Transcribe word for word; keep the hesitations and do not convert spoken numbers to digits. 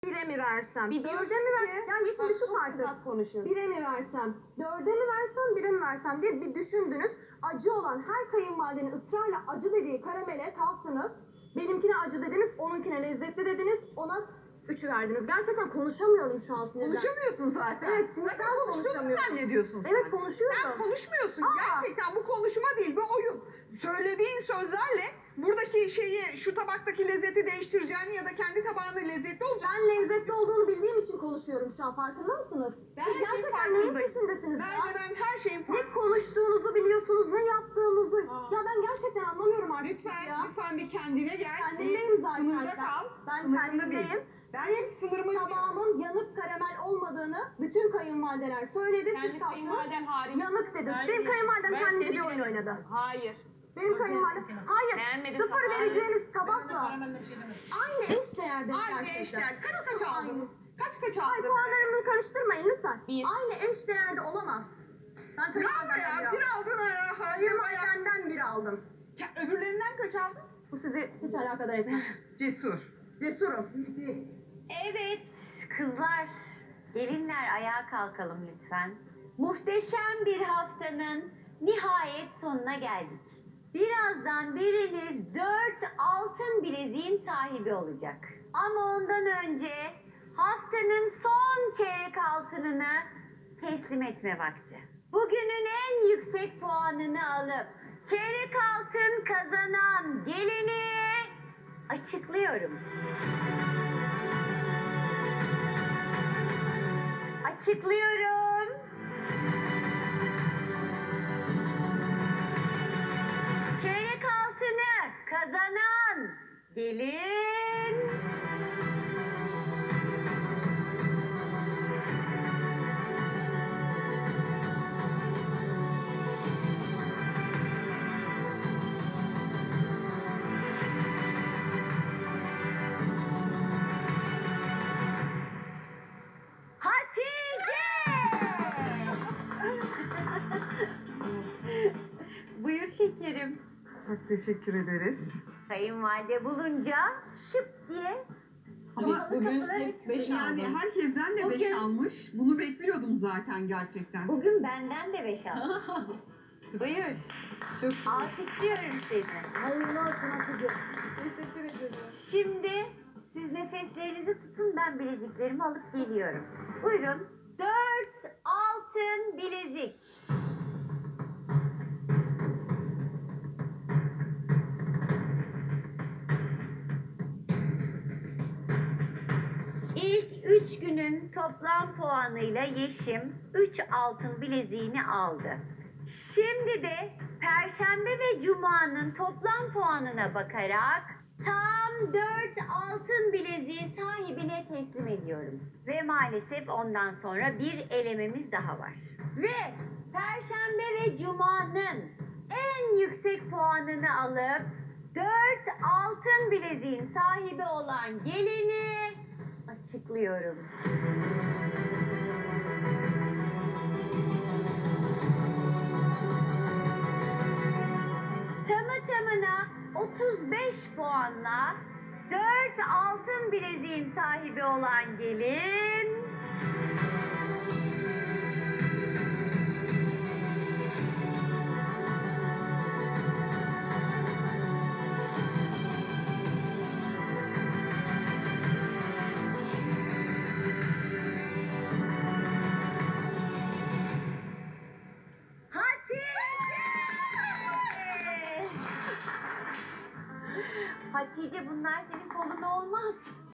Bire mi versem? Bir Dörde mi ver? Ya Yeşim bir sus artık. Bire mi versem? Dörde mi versem? Bire mi versem diye bir düşündünüz. Acı olan her kayınvalidenin ısrarla acı dediği karamele kalktınız. Benimkine acı dediniz, onunkine lezzetli dediniz. Ona üçü verdiniz. Gerçekten konuşamıyorum şu an sinirden. Konuşamıyorsun zaten. Evet, sinirden Zaten konuştuğunu konuşamıyorum. zannediyorsun sen. Evet, konuşuyorum. Sen konuşmuyorsun. Aa. Gerçekten bu konuşma değil, bu oyun. Söylediğin sözlerle buradaki şeyi, şu tabaktaki lezzeti değiştireceğini ya da kendi tabağının lezzetli olacağını... Ben lezzetli olduğunu bildiğim için konuşuyorum şu an. Farkında mısınız? Ben Siz her şeyin gerçekten neyin farkındayım. peşindesiniz ya? Ben, ben her şeyin Ne farkındayım. konuştuğunuzu biliyorsunuz, ne yaptığınızı. Aa. Ya ben gerçekten anlamıyorum artık Lütfen, ya. lütfen bir kendine gel. Kendimdeyim zaten. Sınırda Ben- kal. Ben Sınırında kendimdeyim. bil. Ben sınırımı Tabağımın yanık karamel olmadığını bütün kayınvalideler söyledi. Siz Kendi kalktınız. kayınvaliden hariç. Yanık dediniz. Hayır, Benim kayınvalidem ben kendince seni bir oyun beğendim. oynadı. Hayır. Benim kayınvalidem... Hayır, Beğenmedim sıfır tabağı. vereceğiniz tabakla şey aynı eş değerde Aynı gerçekten. eşler. Kaç kaç Aynı. aldınız? Kaç kaç Ay aldınız? puanlarımı karıştırmayın lütfen. Bir. Aynı eş değerde olamaz. Ben Bravo kayınvalidemden ya, bir bir aldım. aldın ara. Hayır, Kayınvalidemden bir aldım. öbürlerinden kaç aldın? Bu sizi hiç alakadar etmez. Cesur. Cesurum. Evet kızlar, gelinler ayağa kalkalım lütfen. Muhteşem bir haftanın nihayet sonuna geldik. Birazdan biriniz dört altın bileziğin sahibi olacak. Ama ondan önce haftanın son çeyrek altınını teslim etme vakti. Bugünün en yüksek puanını alıp çeyrek altın kazanan gelini açıklıyorum. Açıklıyorum. Çeyrek altını kazanan gelin... Hatice! Buyur şekerim. Çok teşekkür ederiz. Kayınvalide bulunca şıp diye Ama bugün hep beş yani aldım. herkesten de beş Bugün- almış. Bunu bekliyordum zaten gerçekten. bugün benden de beş aldım. Buyur. Çok Alkışlıyorum seni. Hayırlı olsun Hatice. Teşekkür ederim. Şimdi siz nefeslerinizi tutun, ben bileziklerimi alıp geliyorum. Buyurun. Dört altın bilezik. İlk üç günün toplam puanıyla Yeşim üç altın bileziğini aldı. Şimdi de Perşembe ve Cuma'nın toplam puanına bakarak tam dört altın bileziği sahibine teslim ediyorum. Ve maalesef ondan sonra bir elememiz daha var. Ve Perşembe ve Cuma'nın en yüksek puanını alıp dört altın bileziğin sahibi olan gelini açıklıyorum. Tamı tamına otuz beş puanla dört altın bileziğin sahibi olan gelin... Hatice! Hatice bunlar senin kolun olmaz.